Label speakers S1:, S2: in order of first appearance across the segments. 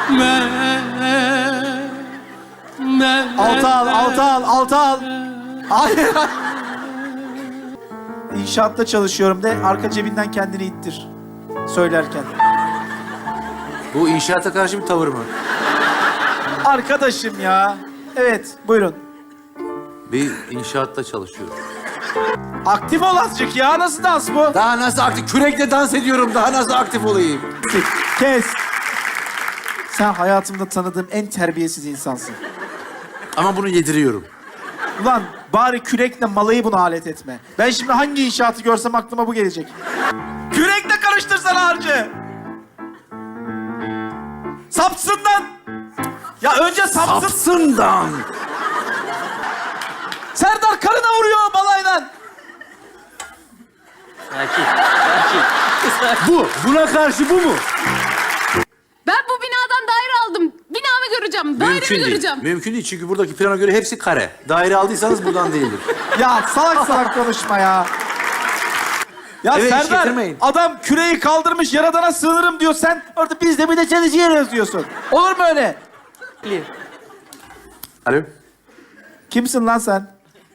S1: Altı al. Hayır. İnşaatta çalışıyorum de, arka cebinden kendini ittir. Söylerken.
S2: Bu inşaata karşı bir tavır mı?
S1: Arkadaşım ya. Evet, buyurun.
S2: Bir inşaatta çalışıyorum.
S1: Aktif ol azıcık ya. Nasıl dans bu?
S2: Daha nasıl aktif? Kürekle dans ediyorum. Daha nasıl aktif olayım?
S1: Kes. Sen hayatımda tanıdığım en terbiyesiz insansın.
S2: Ama bunu yediriyorum.
S1: Ulan bari kürekle malayı buna alet etme. Ben şimdi hangi inşaatı görsem aklıma bu gelecek. Kürekle karıştırsana harcı. Sapsından. Ya önce sapsın.
S2: Sapsından.
S1: Serdar karına vuruyor balaydan.
S2: Buna karşı bu mu?
S3: Ben bu binadan daire aldım. Binamı göreceğim. Dairemi göreceğim.
S2: Mümkün değil çünkü buradaki plana göre hepsi kare. Daire aldıysanız buradan değildir.
S1: Ya salak konuşma ya. Ya
S2: Evet, hiç
S1: Serdar,
S2: getirmeyin.
S1: adam küreği kaldırmış, Yaradan'a sığınırım diyor. Sen orada biz de bir de çalışıyoruz diyorsun. Olur mu öyle?
S2: Alo.
S1: Kimsin lan sen?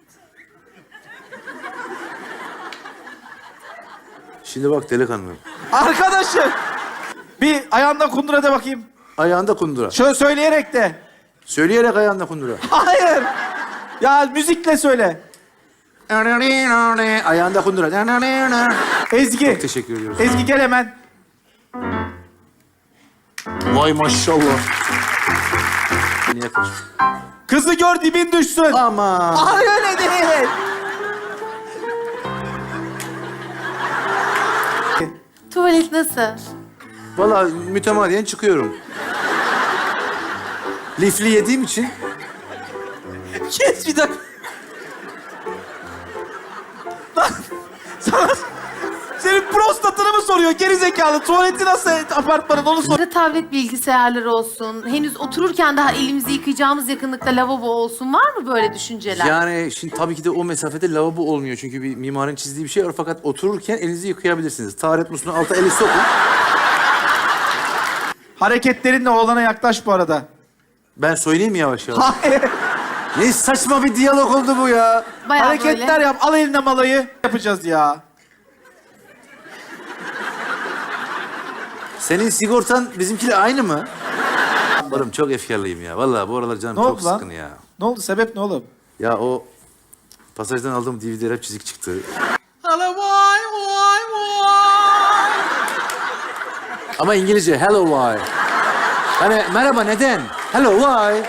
S2: Şimdi bak delikanlı.
S1: Arkadaşım. Bir ayağında kundura de bakayım.
S2: Ayağında kundura.
S1: Şöyle söyleyerek de.
S2: Söyleyerek ayağında kundura.
S1: Hayır. Ya müzikle söyle.
S2: Ayağında kundura.
S1: Ezgi.
S2: Çok teşekkür ediyoruz.
S1: Ezgi gel hemen.
S2: Vay maşallah. Niye kaçtın?
S1: Kızı gör dibin düşsün.
S2: Aman.
S1: Ay öyle değil.
S3: Tuvalet nasıl?
S2: Vallahi mütemadiyen çıkıyorum. Lifli yediğim için.
S1: Kes bir dakika. Lan, sana... Senin prostatını mı soruyor gerizekalı? Tuvaleti nasıl apartmanın onu sor.
S4: Tablet bilgisayarları olsun. Henüz otururken daha elimizi yıkayacağımız yakınlıkta lavabo olsun. Var mı böyle düşünceler?
S2: Yani şimdi tabii ki de o mesafede lavabo olmuyor. Çünkü bir mimarın çizdiği bir şey var. Fakat otururken elinizi yıkayabilirsiniz. Taharet musluğuna alta eli sokun.
S1: Hareketlerinle oğlana yaklaş bu arada.
S2: Ben söyleyeyim mi yavaş yavaş?
S1: Hayır.
S2: Ne saçma bir diyalog oldu bu ya.
S4: Bayağı
S1: Hareketler
S4: böyle.
S1: yap. Al eline malayı. Yapacağız ya.
S2: Senin sigortan bizimkiyle aynı mı? Oğlum çok efkarlıyım ya. Vallahi bu aralar canım
S1: Ne
S2: çok
S1: oldu lan?
S2: sıkın ya.
S1: Ne oldu? Sebep ne oğlum?
S2: Ya o pasajdan aldığım DVD rap çizik çıktı. Ama İngilizce hello why. Hani merhaba neden? Hello why.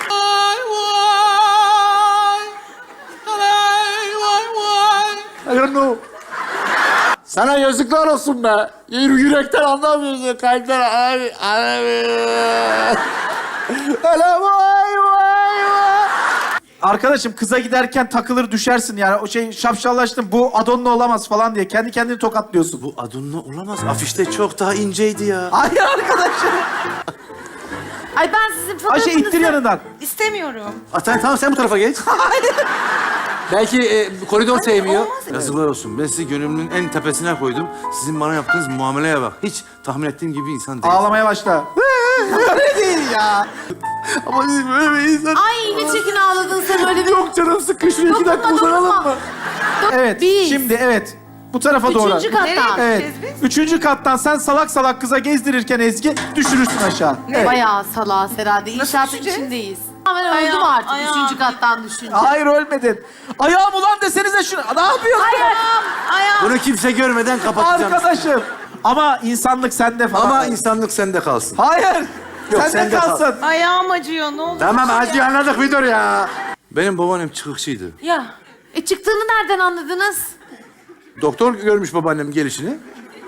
S2: I don't know. Sana yazıklar olsun be. Yürekten anlamıyorsun. Kalpten anlamıyor. Hello why.
S1: Arkadaşım kıza giderken takılır düşersin yani. O şey şapşallaştın. Bu Adon'la olamaz falan diye. Kendi kendini tokatlıyorsun.
S2: Bu adınla olamaz. Afişte çok daha inceydi ya.
S1: Hayır arkadaşım.
S4: Ay ben sizin fotoğrafınızı...
S1: Ayşe ittir yanından.
S4: İstemiyorum.
S2: Tamam sen bu tarafa geç.
S1: Hayır.
S2: Belki koridor sevmiyor.
S4: olmaz.
S2: Yazıklar olsun. Ben sizi gönlümün en tepesine koydum. Sizin bana yaptığınız muameleye bak. Hiç tahmin ettiğim gibi bir insan değil.
S1: Ağlamaya başla. Öyle değil ya.
S2: Ama siz böyle bir insan...
S4: Ay ne çirkin ağladın sen öyle bir...
S2: Çok canım sıkın. Şuraya 2 dakika
S4: Dokunma,
S2: uzanalım
S4: dokunma.
S2: mı?
S1: Evet.
S4: Biz.
S1: Şimdi evet. Bu tarafa doğru.
S4: Üçüncü kattan.
S1: Evet. Üçüncü kattan sen salak salak kıza gezdirirken Ezgi düşürürsün aşağı. Evet.
S4: Bayağı salağız herhalde. İnşaatın içindeyiz. Ben öldüm artık üçüncü kattan düşünce.
S1: Hayır ölmedin. Ayağım ulan desenize şunu. Ne yapıyorsun?
S2: Bunu kimse görmeden kapatacağım.
S1: Arkadaşım. Ama insanlık sende falan.
S2: Ama insanlık sende kalsın.
S1: Hayır.
S2: Yok,
S1: Sende
S2: sende kal.
S1: kalsın.
S5: Ayağım acıyor, ne olur.
S2: Tamam acı anladık bir dur ya. Benim babaannem çıkıkçıydı.
S4: Ya. Çıktığını nereden anladınız?
S2: Doktor görmüş babaannemin gelişini.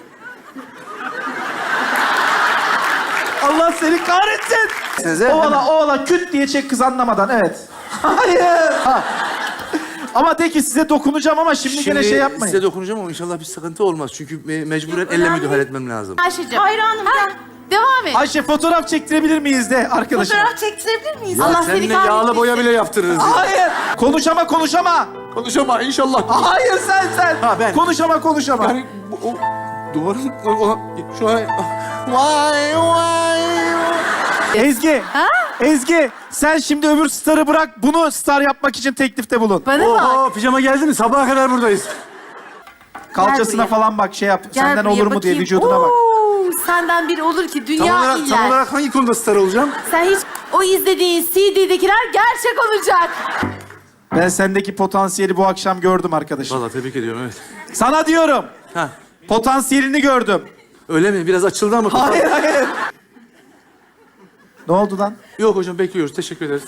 S1: Allah seni kahretsin.
S2: Size
S1: Ovala küt diye çek kız anlamadan. Evet. Hayır. Ha. Ama de ki size dokunacağım ama şimdi gene şey yapmayın.
S2: Size dokunacağım ama inşallah bir sıkıntı olmaz. Çünkü mecburen elle müdahale etmem lazım.
S4: Ayşe'cim.
S5: Hayranım ben.
S4: Devam et.
S1: Ayşe fotoğraf çektirebilir miyiz de arkadaşım?
S5: Fotoğraf çektirebilir miyiz?
S4: Allah
S2: Seninle
S4: seni
S2: yağlı
S4: kahretmesin.
S2: boya bile yaptırırız.
S1: Hayır. Konuşama.
S2: Konuşama inşallah.
S1: Hayır sen.
S2: Ha, ben.
S1: Konuşama.
S2: Yani o duvarın şu an... Vay.
S1: Ezgi. Ezgi sen şimdi öbür starı bırak. Bunu star yapmak için teklifte bulun.
S4: Bana bak.
S2: Oho pijama geldi mi? Sabaha kadar buradayız.
S1: Kalçasına
S4: buraya.
S1: falan bak şey yap.
S4: Gel
S1: Senden
S4: buraya
S1: olur mu diye
S4: bakayım.
S1: vücuduna bak.
S4: Oo, senden biri olur ki dünya
S2: Tam
S4: iler.
S2: olarak hangi konuda star olacağım?
S4: Sen hiç o izlediğin CD'dekiler gerçek olacak.
S1: Ben sendeki potansiyeli bu akşam gördüm arkadaşım.
S2: Vallahi tebrik ediyorum evet.
S1: Sana diyorum.
S2: Ha.
S1: Potansiyelini gördüm.
S2: Öyle mi? Biraz açıldı ama.
S1: Hayır hayır. Ne oldu lan?
S2: Yok hocam bekliyoruz. Teşekkür ederiz.